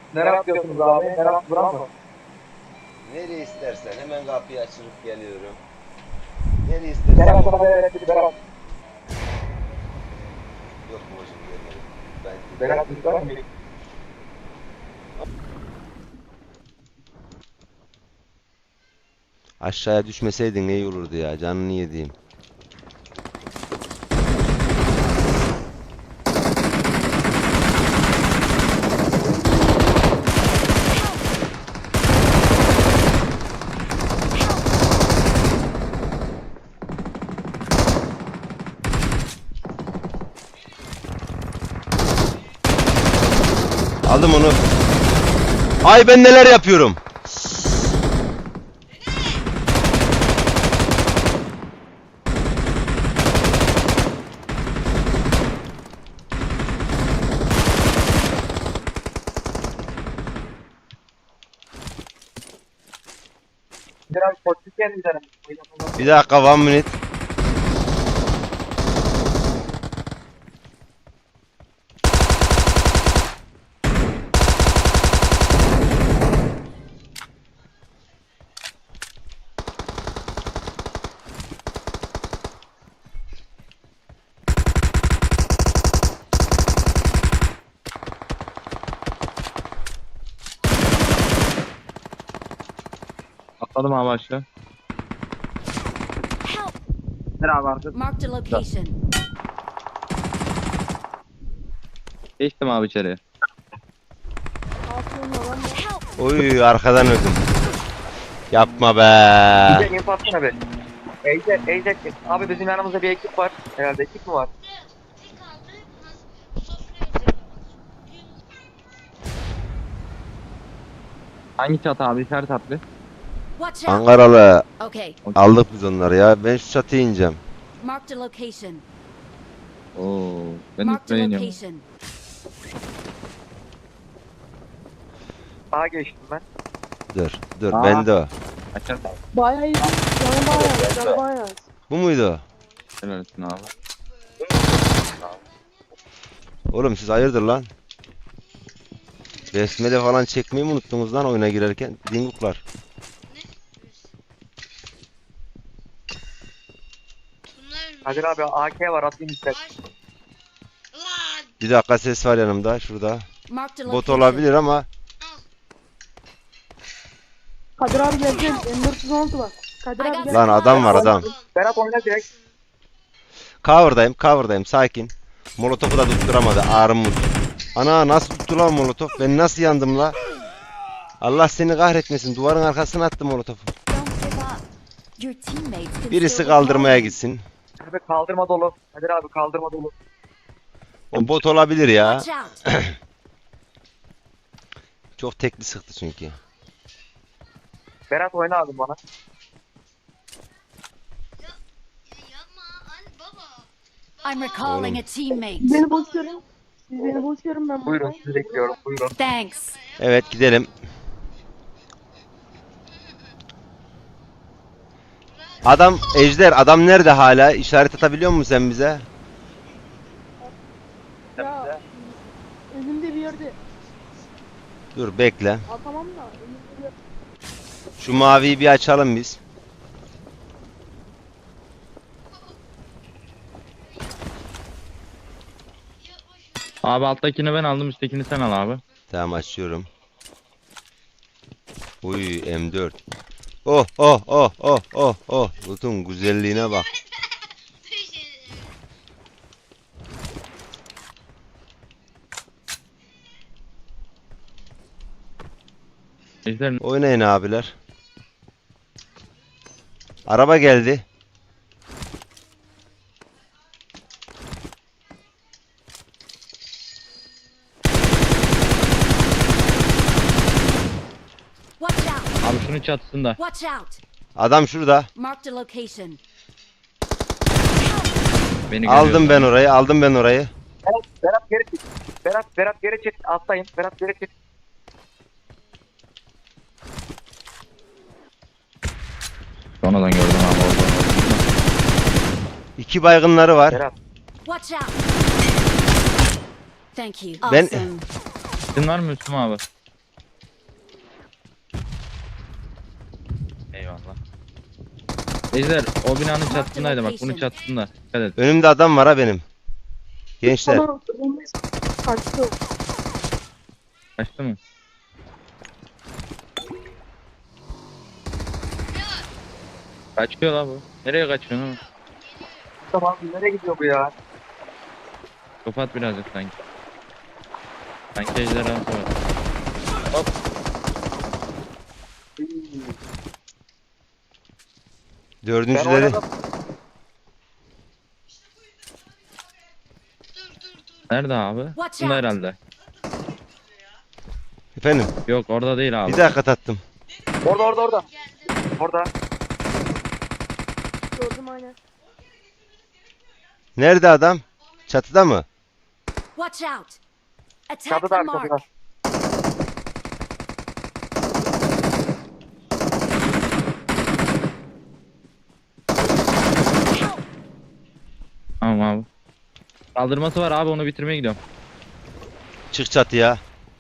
Nereye yapıyorsunuz abi? Nereye buram mı? Nereye istersen hemen kapıyı açılıp geliyorum. Nereye Kerem istersen. sana Berat dedi Berat. Yok babacım gelmedim. Ben Berat dedi var mı? aşağıya düşmeseydin ne iyi olurdu ya, canını yediğim. Aldım onu. Ay ben neler yapıyorum. Biraz politik gelmeyeceğim. Bir dakika, 1 minute. Atladım abi aşağı. Help! Nereye vardı? Marked a location. Geçtim abi içeriye. Help! Oy, arkadan öldüm. Yapma be. Bir de info atsana be. Ejder. Abi bizim yanımızda bir ekip var. Herhalde ekip mi var? Hangi çatı abi? İşaret at bir. Watch out! Ankaralı. Okay, Aldık biz onları ya. Ben şu çatıya ineceğim. marked a location. Oo, ben Marked a üstüne iniyorum. location. Sağa geçtim ben. Dur. Aa. Bende o. Açar. Bayağı iyi. Canı bayağı. Bu muydu? Helal olsun abi. Oğlum siz hayırdır lan? Besmele falan çekmeyi mi unuttunuz lan oyuna girerken? Dinguklar. Kadir abi AK var atayım ister. Bir dakika, ses var yanımda şurada. Marked a Bot location. olabilir ama Kadir abi geldi. M416 var. Kadir abi geldi. lan adam var adam. Berat oyna direkt. Cover'dayım sakin. Molotof'u da tutturamadı armut. Ana nasıl tuttu lan molotof? Ben nasıl yandım la? Allah seni kahretmesin. Duvarın arkasına attı molotofu. Don't give up. Your teammates can Birisi still kaldırmaya recall you. gitsin. Abi kaldırma dolu. Kadir abi kaldırma dolu. O bot olabilir ya. Watch out! Çok tekli sıktı çünkü. Berat oyna abi bana. I'm recalling a teammate. Beni boş görün. Siz beni boş görün ben Buyurun buradayım. sizi bekliyorum. Buyurun. Thanks. Evet gidelim. Ejder nerede hala? İşaret atabiliyor musun sen bize? Ya önümde bir yerde Dur bekle. atamam da önümde bir yerde. Şu maviyi bir açalım biz. Abi alttakini ben aldım, üsttekini sen al abi. Tamam, açıyorum. Uy M4. Oh. Loot'un güzelliğine bak. Ejder Oynayın abiler. Araba geldi. Watch out! abi şunun çatısında. Watch out! Adam şurada. Marked a location. Beni Aldım görüyorsun. ben orayı. Berat geri çık. Berat geri çık. Atlayın. Berat geri çık. Sonradan gördüm abi orada. 2 baygınları var. Berat. Watch out! Thank you. Ben- Awesome. Senin var mı Müslüm abi? Ejder o binanın çatısındaydı bak bunun çatısında. Dikkat et. Önümde adam var ha benim. Gençler. Bana kaçtı. Kaçtı mı? Kaçıyor la bu. Nereye kaçıyorsun oğlum? Tamam nereye gidiyor bu ya? Kapat birazcık sanki. Sanki ejderha var. Ben Dördüncüleri. oynadım. Nerede abi? Watch Bunda out. herhalde. Efendim. Yok orada değil abi. Bir dakika tattım. Orada. Orada. Gördüm aynen. Nerede adam? Çatıda mı? Watch out. Attack Çatıda the abi mark. çatıda. Tamam abi. Kaldırması var abi onu bitirmeye gidiyorum. Çık çatıya.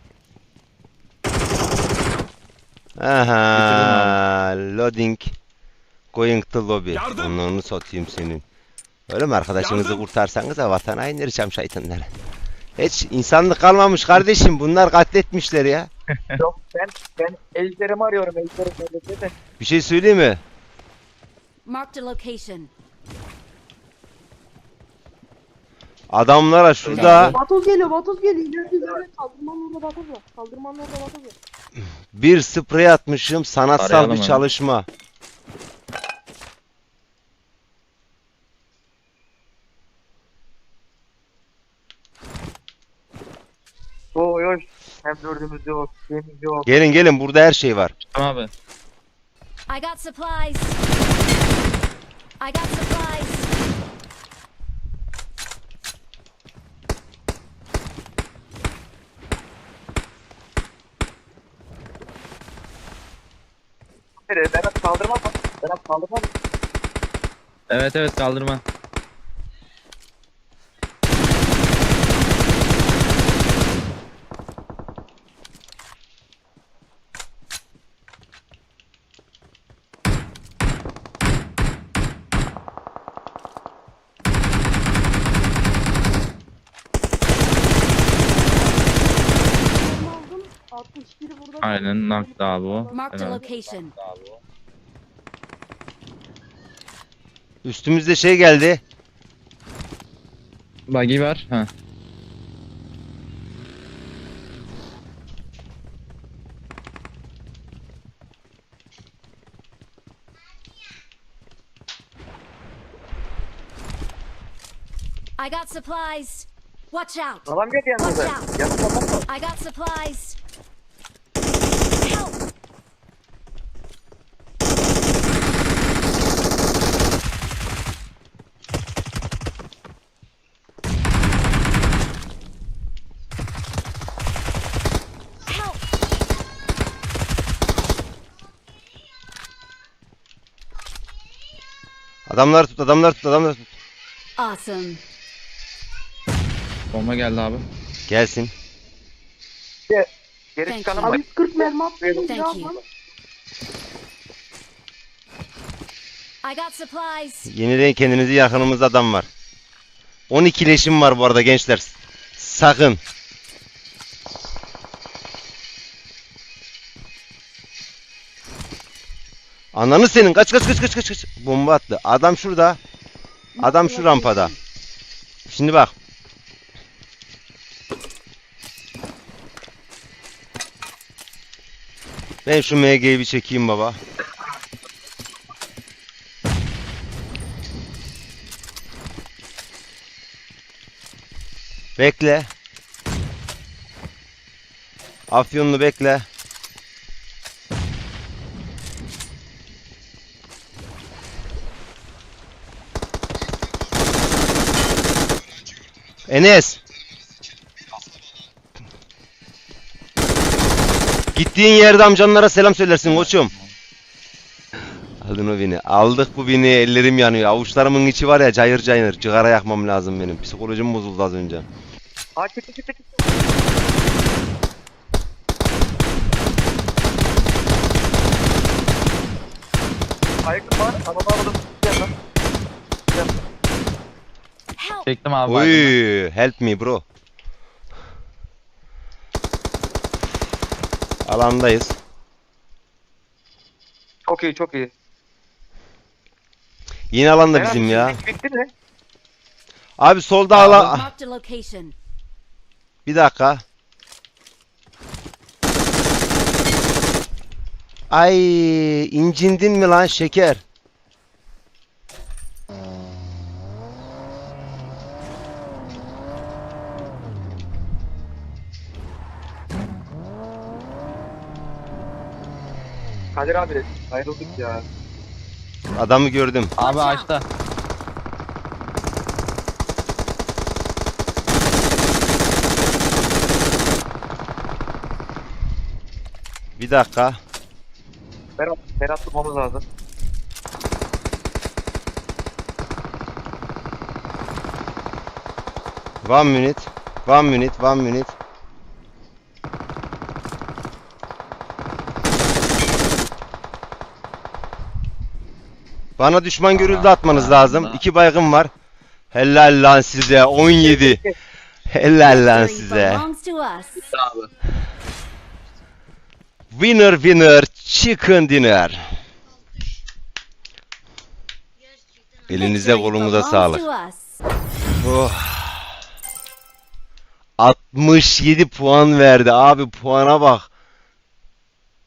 Aha, loading. Going to lobby. Onu satayım senin. Öyle mi arkadaşınızı kurtarsanız da vatana indireceğim şeytanları. Hiç insanlık kalmamış kardeşim. Bunlar katletmişler ya. Yok ben ejderimi arıyorum ejderim nerede de. Bir şey söyleyeyim mi? Marked a location. Adamlara şurada Vatoz geliyor. İleride kaldırmanın orada vatoz var. bir sprey atmışım. Sanatsal Arayalım bir hemen. çalışma. Oy. Hem dördümüz yok. Şeyimiz yok. Gelin burada her şey var. Tamam abi. I got supplies. I got supplies. Berat kaldırma mı? Berat kaldırma mı? Evet kaldırma. Onu aldım. 61'i burada. Aynen nakta abi o. Marked a Evet. location. Üstümüzde şey geldi. Buggy var. Ha. I got supplies. Watch out. Adam geldi yanımıza. Watch out. Yanımda adam var. I got supplies. Help. Help. Adamlar tut. Awesome. Bomba geldi abi. Gelsin. Geri Thank çıkanım you. var. Abi 40 mermi attım. Thank you. I got supplies. Yenileyin kendinizi, yakınımızda adam var. 12 leşim var bu arada gençler. Sakın. Ananı senin. Kaç. Bomba attı. Adam şurada. Adam şu rampada. Şimdi bak. Ben şu MG'yi bir çekeyim baba. Bekle. Afyonlu bekle. Enes. Gittiğin yerde amcanlara selam söylersin koçum. Aldın o bini. Aldık bu bini. Ellerim yanıyor. Avuçlarımın içi var ya cayır cayır. Cigara yakmam lazım benim. Psikolojim bozuldu az önce. Aa çıktı. Aykut var. Adamı aldım. Gel lan. Help! Çektim abi. baygını. Oy, help me bro. Alandayız. Çok iyi çok iyi. Yeni alanda Beyler, bizim ya. sizlik bitti mi? Abi solda alan. Marked a location. Bir dakika. Ay, incindin mi lan şeker? Kadir abi ayrıldık ya. Adamı gördüm. Abi açta. Bir dakika. Berat tutmamız lazım. One minute. One minute. One minute. Bana düşman görüldü atmanız lazım. 2 baygın var. Helal lan size. 17. Helal lan Victory size. belongs to us. Abi. Winner winner chicken dinner. Elinize Victory kolunuza belongs sağlık. to us. Oh. 67 puan verdi abi, puana bak.